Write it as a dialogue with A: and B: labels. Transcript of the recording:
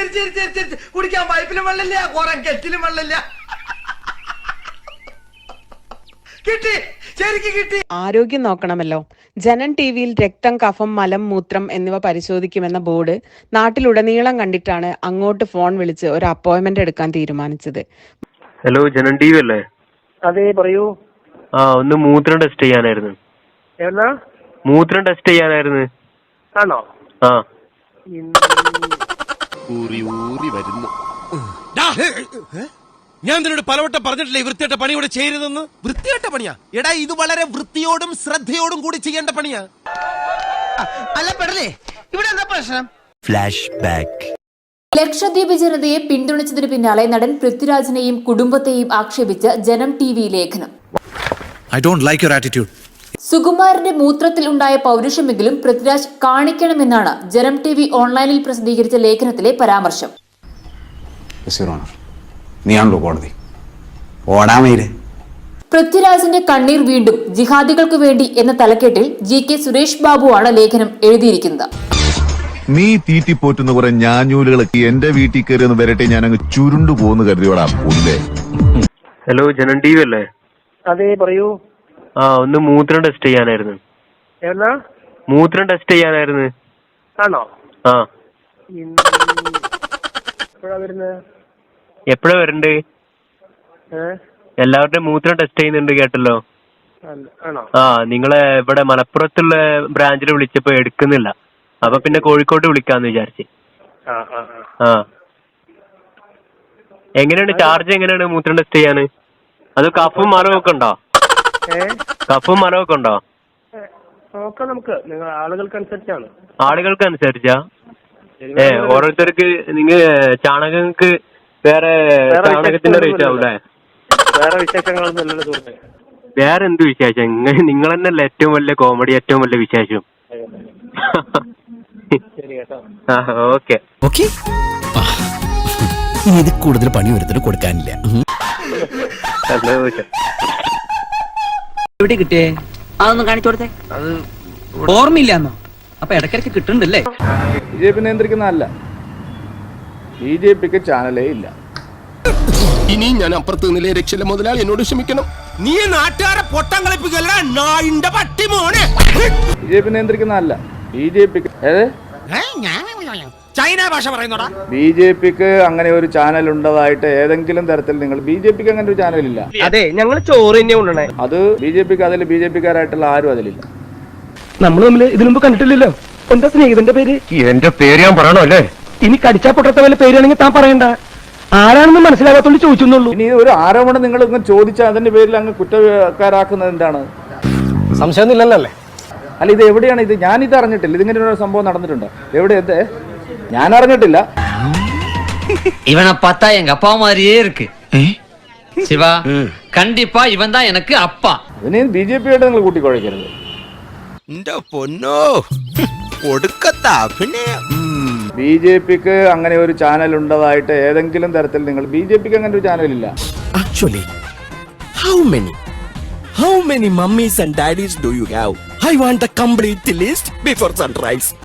A: കുടിക്കാൻ പൈപ്പിലും വെള്ളമില്ല, കുറെ കെറ്റിലും വെള്ളമില്ല. കിട്ടി, ശരിക്കും കിട്ടി.
B: ആരോഗ്യം നോക്കണമല്ലോ. ജനം ടിവിയിൽ രക്തം, കഫം, മലം, മൂത്രം എന്നിവ പരിശോധിക്കുമെന്ന ബോർഡ് നാട്ടിലുടനീളം കണ്ടിട്ടാണ് അങ്ങോട്ട് ഫോൺ വിളിച്ച് ഒരു അപ്പോയിന്റ്മെന്റ് എടുക്കാൻ തീരുമാനിച്ചത്.
C: ഹലോ, ജനം ടി വി അല്ലേ?
D: അതെ, പറയൂ.
C: ഒന്ന് മൂത്രം ടെസ്റ്റ് ചെയ്യാനായിരുന്നു. മൂത്രം ടെസ്റ്റ് ചെയ്യാനായിരുന്നു.
D: ആണോ?
E: ഞാൻ നിന്നോട് പലവട്ടം പറഞ്ഞിട്ടില്ലേ വൃത്തിയായിട്ട പണി ഇവിടെ ചെയ്യരുതെന്ന്? വൃത്തിയായിട്ട പണിയാ എടാ, ഇത് വളരെ വൃത്തിയോടും ശ്രദ്ധയോടും കൂടി ചെയ്യേണ്ട പണിയാ.
A: അല്ല പെടലേ, ഇവിടെ എന്താ പ്രശ്നം?
F: Flash back.
G: ലക്ഷദ്വീപ് ജനതയെ പിന്തുണച്ചതിനു പിന്നാലെ നടൻ പൃഥ്വിരാജിനെയും കുടുംബത്തെയും ആക്ഷേപിച്ച് ജനം ടിവി ലേഖനം.
F: I don't like your attitude.
G: സുകുമാരന്റെ മൂത്രത്തിൽ ഉണ്ടായ പൗരുഷമെങ്കിലും പൃഥ്വിരാജ് കാണിക്കണമെന്നാണ് ജനം ടിവി ഓൺലൈനിൽ പ്രസിദ്ധീകരിച്ച ലേഖനത്തിലെ പരാമർശം. പൃഥ്വിരാജിന്റെ കണ്ണീർ വീണ്ടും ജിഹാദികൾക്ക് വേണ്ടി എന്ന തലക്കെട്ടിൽ GK സുരേഷ് ബാബുവാണ് ലേഖനം എഴുതിയിരിക്കുന്നത്.
H: നീ തീറ്റിപ്പോറ്റുന്ന കുറെ ഞാഞ്ഞൂലുകളൊക്കെ എന്റെ വീട്ടിൽ കയറി ഒന്ന് വരട്ടെ, ഞാൻ അങ്ങ് ചുരുണ്ടു പോകുന്നു കരുതിയോടാ.
C: ഹലോ, ജനം ടി വി അല്ലേ?
D: അതെ, പറയൂ.
C: ഒന്ന് മൂത്രം ടെസ്റ്റ് ചെയ്യാനായിരുന്നു. മൂത്രം ടെസ്റ്റ് ചെയ്യാനായിരുന്നു.
D: ആണോ?
C: എപ്പോഴാ വരണ്ടേ? എല്ലാവരുടെയും മൂത്രം ടെസ്റ്റ് ചെയ്യുന്നുണ്ട് കേട്ടല്ലോ. നിങ്ങളെ ഇവിടെ മലപ്പുറത്തുള്ള ബ്രാഞ്ചിൽ വിളിച്ചപ്പോ എടുക്കുന്നില്ല. അപ്പൊ പിന്നെ കോഴിക്കോട്ട് വിളിക്കാന്ന് വിചാരിച്ച്. എങ്ങനെയാണ് ചാർജ്? എങ്ങനെയാണ് മൂത്രം ടെസ്റ്റ് ചെയ്യാന്? അത് കഫും മരമൊക്കെ ഉണ്ടോ? കഫും മരമൊക്കെ ഉണ്ടോ? ആളുകൾക്ക് അനുസരിച്ചാ? ഓരോരുത്തർക്ക് നിങ്ങൾ ചാണകങ്ങൾക്ക് വേറെ ചാണകത്തിന്റെ റേറ്റ് ആവൂലേ? വേറെ എന്ത് വിശേഷം? നിങ്ങൾ തന്നെയല്ലേ ഏറ്റവും വലിയ കോമഡി, ഏറ്റവും വലിയ വിശേഷം. ഓക്കെ.
F: ഇത് കൂടുതൽ പണി ഒരുത്തിന് കൊടുക്കാനില്ല.
I: എവിടെ കിട്ടിയേ? അതൊന്നും കാണിച്ചു കൊടുത്തേ. അത് ഓർമ്മയില്ലാന്നോ? അപ്പൊ ഇടയ്ക്കിടയ്ക്ക് കിട്ടുന്നുണ്ടല്ലേ?
J: BJP നിയന്ത്രിക്കുന്നതല്ല, BJPക്ക് ചാനലേ ഇല്ല.
E: ഇനി ഞാൻ അപ്പുറത്ത് നിന്നില്ലേ രക്ഷയില്ല മുതലാളി, എന്നോട് ക്ഷമിക്കണം. നീ നാട്ടുകാരെ പൊട്ടം കളിപ്പിക്കല്ല നായിന്റെ പട്ടി മോനെ.
J: BJP നിയന്ത്രിക്കുന്നതല്ല, BJPക്ക്
E: ചൈന ഭാഷ പറയുന്നോടാ.
J: BJPക്ക് അങ്ങനെ ഒരു ചാനൽ ഉണ്ടതായിട്ട് ഏതെങ്കിലും തരത്തിൽ നിങ്ങൾ BJPക്ക് അങ്ങനെ ഒരു ചാനലില്ല.
D: അതെ, ഞങ്ങൾ ചോറ് തന്നെ കൊണ്ടുവന്നേ.
J: അത് BJPക്ക് അതിൽ BJPക്കാരായിട്ടുള്ള ആരും അതിലില്ല.
D: നമ്മൾ തമ്മിൽ ഇതിനു മുമ്പ് കണ്ടിട്ടില്ലല്ലോ. എന്താ സ്നേഹിതന്റെ പേര്?
C: എന്റെ പേര് ഞാൻ പറയണോ അല്ലേ?
D: ഇനി കടിച്ചാ പൊട്ടത്ത വല്ല പേരാണെങ്കിൽ താൻ പറയണ്ട. ആരാണെന്ന് മനസ്സിലാകാത്തോണ്ട് ചോദിച്ചെന്നുള്ളൂ.
J: ഇനി ഒരു ആരോപണം നിങ്ങൾ ഇങ്ങനെ ചോദിച്ചാൽ അതിന്റെ പേരിൽ അങ്ങ് കുറ്റക്കാരാക്കുന്നത് എന്താണ്?
D: സംശയമൊന്നുമില്ലല്ലേ?
J: അല്ല, ഇത് എവിടെയാണ് ഇത്? ഞാനിത് അറിഞ്ഞിട്ടില്ല. ഇതിങ്ങനെ ഒരു സംഭവം നടന്നിട്ടുണ്ടോ? എവിടെ? എന്ത്? ഞാൻ അറിഞ്ഞിട്ടില്ല.
I: ഇവനെ പത്താ എങ്ക அப்பா மாதிரியே இருக்கு. சிவா கண்டிப்பா இவன் தான் எனக்கு அப்பா.
J: അതിനെ BJP ആയിട്ട് നിങ്ങൾ കൂട്ടിക്കുഴയ്ക്കരുത്.
E: എന്റെ പൊന്നോ, ഒടുക്കത്താ. പിന്നെ
J: BJPക്ക് അങ്ങനെ ഒരു ചാനൽ ഉണ്ടതായിട്ട് ഏതെങ്കിലും തരത്തിൽ നിങ്ങൾ BJPക്ക് അങ്ങനെ ഒരു ചാനലില്ല.
F: Actually, how many mummies and daddies do you have? I want the complete list before sunrise.